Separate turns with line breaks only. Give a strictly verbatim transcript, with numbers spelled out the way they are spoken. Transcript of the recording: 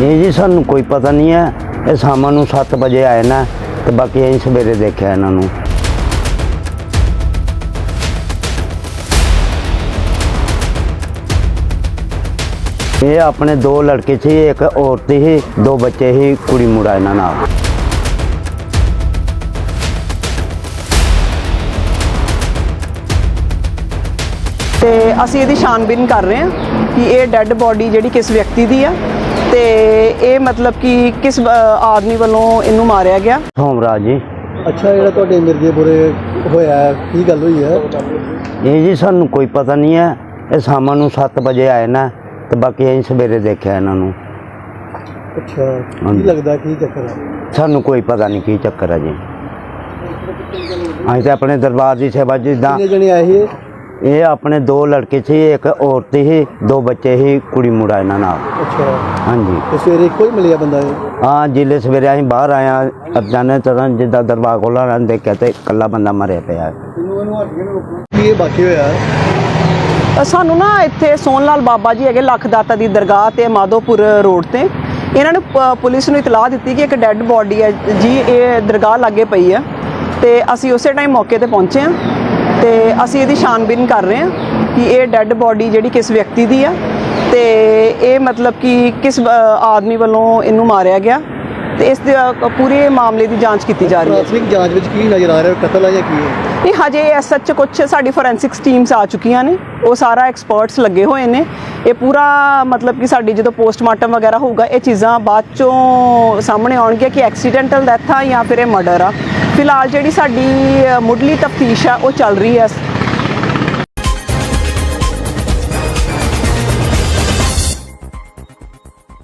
ये जी सानू कोई पता नहीं है। ये शाम नूं सत्त बजे आए ना, तो बाकी अं सवेरे देखा इन्हों। ये अपने दो लड़के थे, एक औरत ही, दो बच्चे ही, कुड़ी मुड़ा इन्हां नाल।
ਤੇ ਅਸੀਂ ਇਹਦੀ ਛਾਨਬੀਨ ਕਰ ਰਹੇ ਹਾਂ ਕਿ ਇਹ ਡੈੱਡ ਬੋਡੀ ਜਿਹੜੀ ਕਿਸ ਵਿਅਕਤੀ ਦੀ ਆ ਤੇ ਇਹ ਮਤਲਬ ਕਿ ਕਿਸ ਆਦਮੀ ਵੱਲੋਂ ਇਹਨੂੰ ਮਾਰਿਆ ਗਿਆ।
सोमराज जी।
ਅੱਛਾ, ਜਿਹੜਾ ਤੁਹਾਡੇ ਮਿਰਜ਼ੇਪੁਰੇ ਹੋਇਆ ਹੈ, ਕੀ ਗੱਲ ਹੋਈ ਹੈ?
ये जी सानू कोई पता नहीं है। ये शाम नूं सत्त बजे आए ना, तो बाकी अं सवेरे देखा इन्हों।
ਅੱਛਾ, ਕੀ ਲੱਗਦਾ ਕੀ ਚੱਕਰ ਹੈ?
सानू कोई पता नहीं की चक्कर है जी। अं तो अपने दरबार की सेवा जिदा।
ਕਿੰਨੇ ਜਣੇ ਆਏ ਸੀ?
ये अपने दो लड़के थे, एक औरत ही, दो बच्चे ही, कुड़ी मुड़ा इन्हां नाल।
ਅੱਛਾ,
हाँ जी।
ਤੇ ਸਵੇਰੇ ਇੱਕੋ ਹੀ ਮਿਲਿਆ ਬੰਦਾ ਇਹ?
हाँ, जिले सवेरे अं बाहर आया अचानक तरह जिदा दरबार खोला देखा तो कला बंदा मरिया पिया।
ਕੀ ਇਹ ਬਾਕੀ ਹੋਇਆ?
ਸਾਨੂੰ ਨਾ ਇੱਥੇ ਸੋਨ ਲਾਲ ਬਾਬਾ ਜੀ ਹੈਗੇ ਲੱਖ ਦਾਤਾ ਦੀ ਦਰਗਾਹ ਤੇ ਮਾਧੋਪੁਰ ਰੋਡ ਤੇ ਇਹਨਾਂ ਨੇ ਪ- ਪੁਲਿਸ ਨੂੰ ਇਤਲਾਹ ਦਿੱਤੀ ਕਿ ਇੱਕ ਡੈੱਡ ਬੋਡੀ ਹੈ ਜੀ, ਇਹ ਦਰਗਾਹ ਲਾਗੇ ਪਈ ਹੈ ਤੇ ਅਸੀਂ ਉਸੇ ਟਾਈਮ ਮੌਕੇ ਤੇ ਪਹੁੰਚੇ ਹਾਂ ਤੇ ਅਸੀਂ ਇਹਦੀ ਛਾਨਬੀਨ ਕਰ ਰਹੇ ਹਾਂ ਕਿ ਇਹ ਡੈੱਡ ਬੋਡੀ ਜਿਹੜੀ ਕਿਸ ਵਿਅਕਤੀ ਦੀ ਆ ਤੇ ਇਹ ਮਤਲਬ ਕਿ ਕਿਸ ਅ, ਆਦਮੀ ਵੱਲੋਂ ਇਹਨੂੰ ਮਾਰਿਆ ਗਿਆ ਤੇ ਇਸ ਦੇ ਅ, ਪੂਰੇ ਮਾਮਲੇ ਦੀ ਜਾਂਚ ਕੀਤੀ ਜਾ ਰਹੀ ਹੈ।
ਪ੍ਰਾਥਮਿਕ ਜਾਂਚ ਵਿੱਚ ਕੀ ਨਜ਼ਰ ਆ ਰਿਹਾ? ਕਤਲ ਹੈ ਜਾਂ ਕੀ ਹੈ?
ਇਹ ਹਜੇ ਐਸ ਸੱਚ ਕੁਛ ਸਾਡੀ ਫੋਰੈਂਸਿਕਸ ਟੀਮਸ ਆ ਚੁੱਕੀਆਂ ਨੇ, ਉਹ ਸਾਰਾ ਐਕਸਪਰਟਸ ਲੱਗੇ ਹੋਏ ਨੇ। ਇਹ ਪੂਰਾ ਮਤਲਬ ਕਿ ਸਾਡੀ ਜਦੋਂ ਪੋਸਟਮਾਰਟਮ ਵਗੈਰਾ ਹੋਊਗਾ ਇਹ ਚੀਜ਼ਾਂ ਬਾਅਦ ਚੋਂ ਸਾਹਮਣੇ ਆਉਣਗੀਆਂ ਕਿ ਐਕਸੀਡੈਂਟਲ ਡੈਥ ਆ ਜਾਂ ਫਿਰ ਇਹ ਮਰਡਰ ਆ। ਫਿਲਹਾਲ ਜਿਹੜੀ ਸਾਡੀ ਮੁੱਢਲੀ ਤਫਤੀਸ਼ ਆ ਉਹ ਚੱਲ ਰਹੀ ਹੈ।